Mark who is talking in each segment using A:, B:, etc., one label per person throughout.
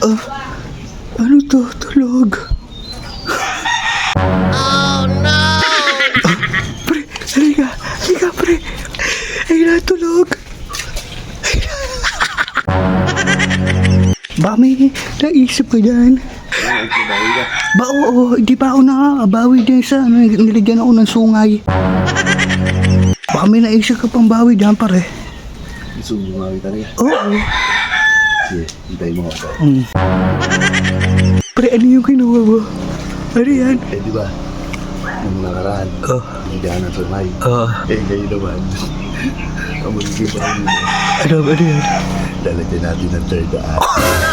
A: Ano to? Tulog.
B: Oh no!
A: Pre, halika pre. Ay natulog. Ba may naisip ka dyan? Ba oo, di pa ako nakakabawi dyan sa niligyan ako ng sungay. Ba may naisip ka pang bawi dyan pare?
C: Gusto mo bumawi talaga?
A: Oo.
C: Sige, hintayin mo ako.
A: Pre, ano yung kinuha mo? Ano yan?
C: Eh, di ba? Nung nakaraan, hindi ka na sumay. Eh, ngayon naman, ang magiging bahay mo.
A: Ano yan?
C: Lalagyan natin ng third act.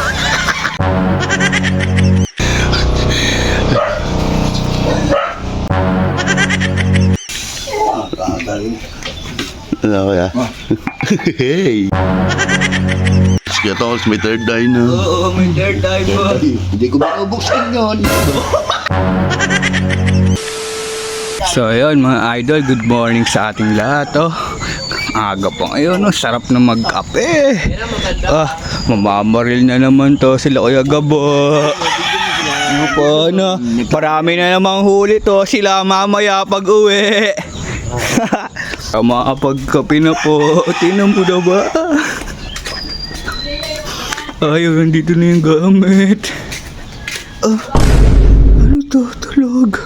C: Ano kaya? Hey! Sige, Tols, may third eye na.
A: Oo, may third eye po.
C: Hindi ko makabuksan yun.
A: So ayun mga idol, good morning sa ating lahat. Aga pa ngayon, sarap na magkape. Mamamaril na naman to sila Kuya Gabo. Ano po, ano? Marami na namang huli to sila mamaya pag uwi. Makapagkape na po. Tinan mo na ba? Ayun, dito na yung gamit. Ano to? Tulog.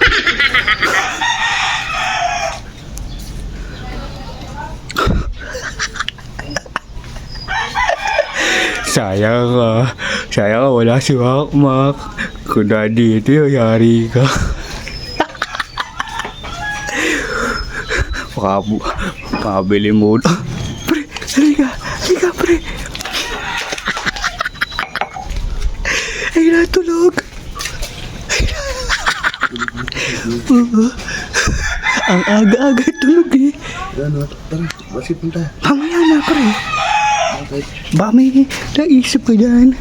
A: Sayang ka, wala si Makmak. Kung dito, yari ka. Makabili mo. Pre, halika pre. Ay natulog. Ang aga-aga tulog eh.
C: Ano? Tara, basi punta.
A: Mamaya na pre.
C: Okay.
A: Ba may naisip ka dyan?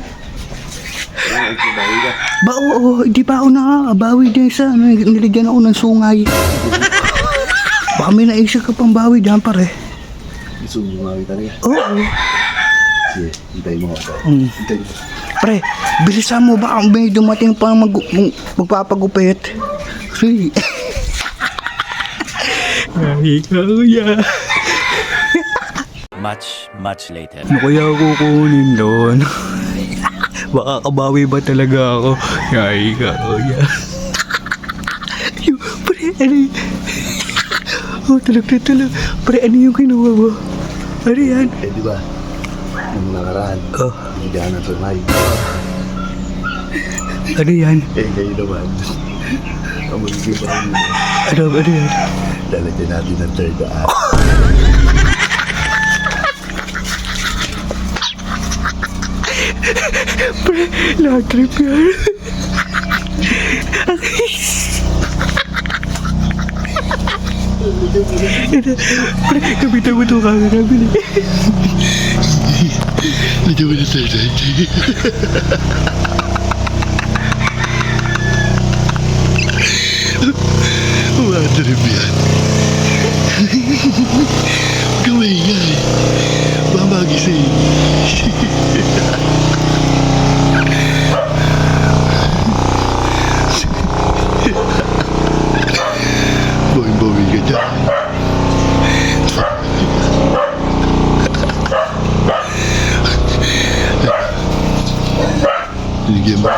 A: Ba oo, di pa ako nakakabawi dyan sa niligyan ako ng sungay. Ba may naisip ka pang bawi dyan pare?
C: Gusto mo bumawi talaga?
A: Oo.
C: Sige, hintayin mo ako. Hintayin mo.
A: Pre, bilisan mo ba may dumating pang magpapagupit? Sige. Ay, kuya.
D: Much later.
A: Ano kaya kukunin doon? Baka kabawi ba talaga ako? Ay, kuya. Pre, ano yun? Tulog na tulog. Pre, ano yung kinuha mo? Ano yan?
C: Eh, di ba? Nung nakaraan, hindi ka na sumay.
A: Ano yan?
C: Eh, ngayon naman, ang magiging bahay mo.
A: Ano yan?
C: Lalagyan natin ng third act.
A: Pre, lahat trip yan. Pre, kapitan mo itong camera.
C: Lagyan mo ng third act. Mga trip yan. Huwag kang maingay. Baka magising. Bawing-bawing ka dyan. Binigyan mo.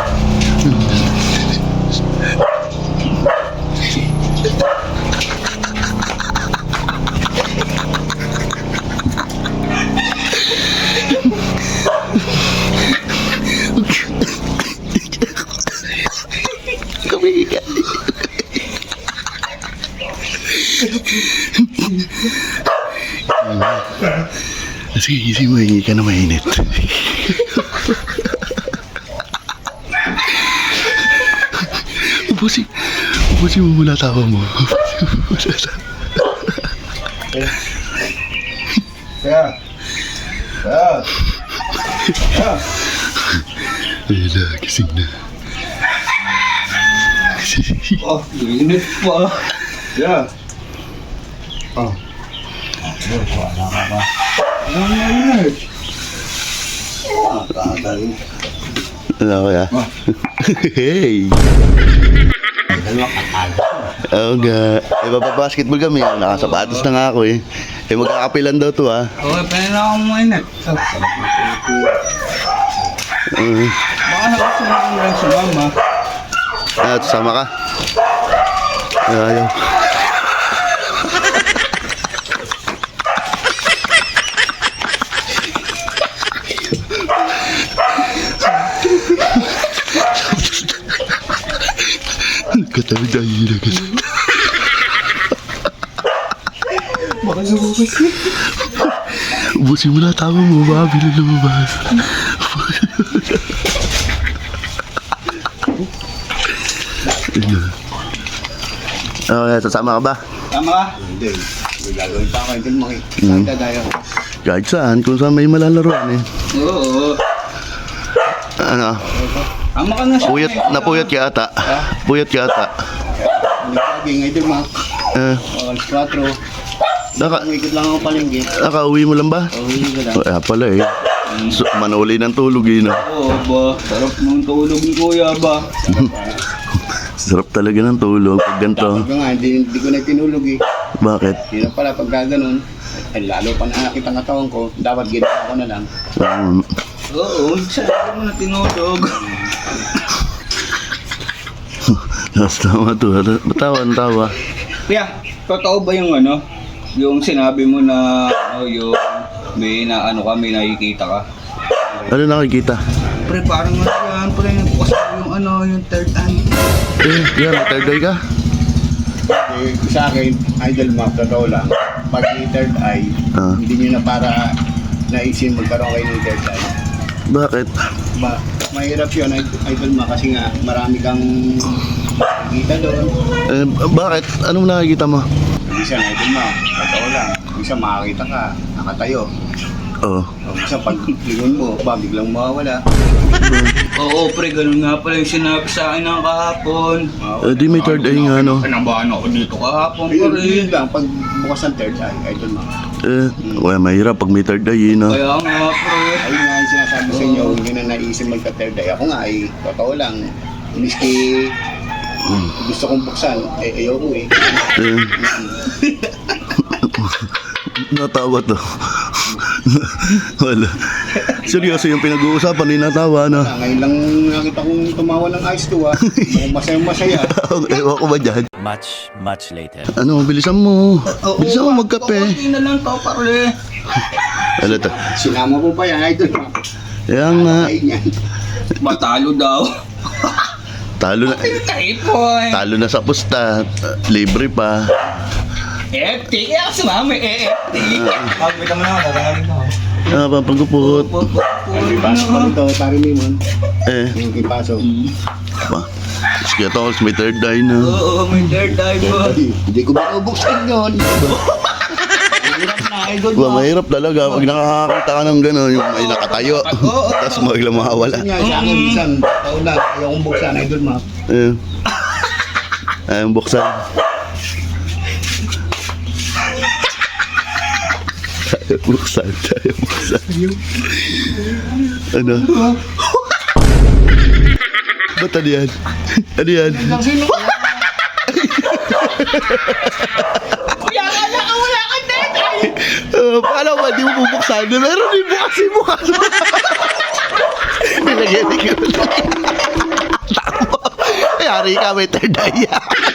C: Sige, gising mo, hingi ka na mainit. Ubusin mo muna tawa mo. Ayun na, gising na.
A: Init pa.
C: Yeah.
A: Wala ka ba? Ano na init?
C: Tagal. Ano kaya? Hey!
A: Dalawa kakala.
C: Oo nga. Eh, basketball kami. Nakasapatos na nga ako eh. Eh, magkakapilan daw to ah.
A: Okay, pwede na akong mainit. Baka nakasama ko lang sa mama.
C: Ah, sama ka? Ayaw. Katabi tayo na kasi.
A: Baka lumabas eh.
C: Ubusin mo na tama mo, baka lumabas. Okay, sasama ka ba?
A: Tama ka? Hindi. May gagawin pa ako. Hindi mo makikita tayo.
C: Kahit saan, kung saan may malalaroan eh.
A: Oo.
C: Ano?
A: Tama ka na siya.
C: Napuyat ka ata. Puyat ka ata.
A: Nagpaging ay din, Mac. Alas 4. Umikot lang ako palengke.
C: Nakauwi mo lang ba?
A: Uwi ka lang.
C: Kaya pala eh. So, manuli ng tulog eh, no?
A: Oo ba? Sarap ng tulog ni Kuya ba?
C: Sarap talaga ng tulog pag ganito.
A: Dapat nga, hindi ko na tinulog eh.
C: Bakit?
A: Hindi na pala pagka ganun. Ay, lalo pa nakakita ang katawan ko. Dapat ginawa ko na lang. Oo, saan mo na tinulog?
C: Tama to. Tawa.
A: Kuya, totoo ba yung ano? Yung sinabi mo na yung may na ano ka, may nakikita ka?
C: Ano nakikita?
A: Pre, parang ano yan, pre, bukas yung ano, yung third eye.
C: Yan, may third eye ka?
A: Sa akin, idol map, totoo lang. Pag may third eye, hindi nyo na para naisin magkaroon kayo ng third eye.
C: Bakit?
A: Mahirap yun, idol map, kasi nga marami kang nakikita doon.
C: Bakit? Anong nakikita mo?
A: Minsan, idol map, totoo lang. Minsan makakita ka, nakatayo.
C: Oo.
A: Minsan pag lingon mo, biglang mawawala. Oo, pre, ganun nga pala yung sinabi sa akin ng kahapon.
C: Di may third eye nga, no?
A: Pinabahan ako dito kahapon, pre. Yun lang, pag bukas ng third eye, idol mo.
C: Well, mahirap pag may third eye, no?
A: Kaya nga, pre. Ayun nga yung sinasabi sa inyo, hindi na naisip magka-third eye. Ako nga, ay, totoo lang. Miski gusto kong buksan, ayoko eh.
C: Natawa to. Wala. Seryoso yung pinag-uusapan, hindi natawa, no?
A: Ngayon lang nakita kong tumawa ng eyes to, ah. Masaya-masaya.
C: Ewan ko ba dyan?
B: Much later.
C: Ano, bilisan mo. Bilisan mo magkape.
A: Hindi na lang to, pare.
C: Ano to?
A: Sinama ko pa yan, idol.
C: Kaya nga.
A: Matalo daw.
C: Talo na. Talo na sa pusta. Libre pa.
A: EFT, kaya sumama EFT. Pagpita mo na ako, nararamig ako.
C: Papagupot.
A: May pasok pa nito, pari mo yun. Yung ipasok.
C: Sige to, may third eye na.
A: Oo, may third eye ba? Hindi ko makabuksan yun. Mahirap na, idol mo.
C: Mahirap talaga. Pag nakakakita ka ng gano'n, yung may nakatayo. Tapos maglang makawala.
A: Sa akin, minsan, taon na, ayaw kong buksan, idol mo.
C: Ayong buksan. Buksan. Ano? Ba't ano yan? Ano yan?
A: Kuya, wala ka third eye!
C: Paano ba? Di mo bubuksan? Meron din bukasin mo ka. Nilagyan ko. Tama. Yari ka, may third eye.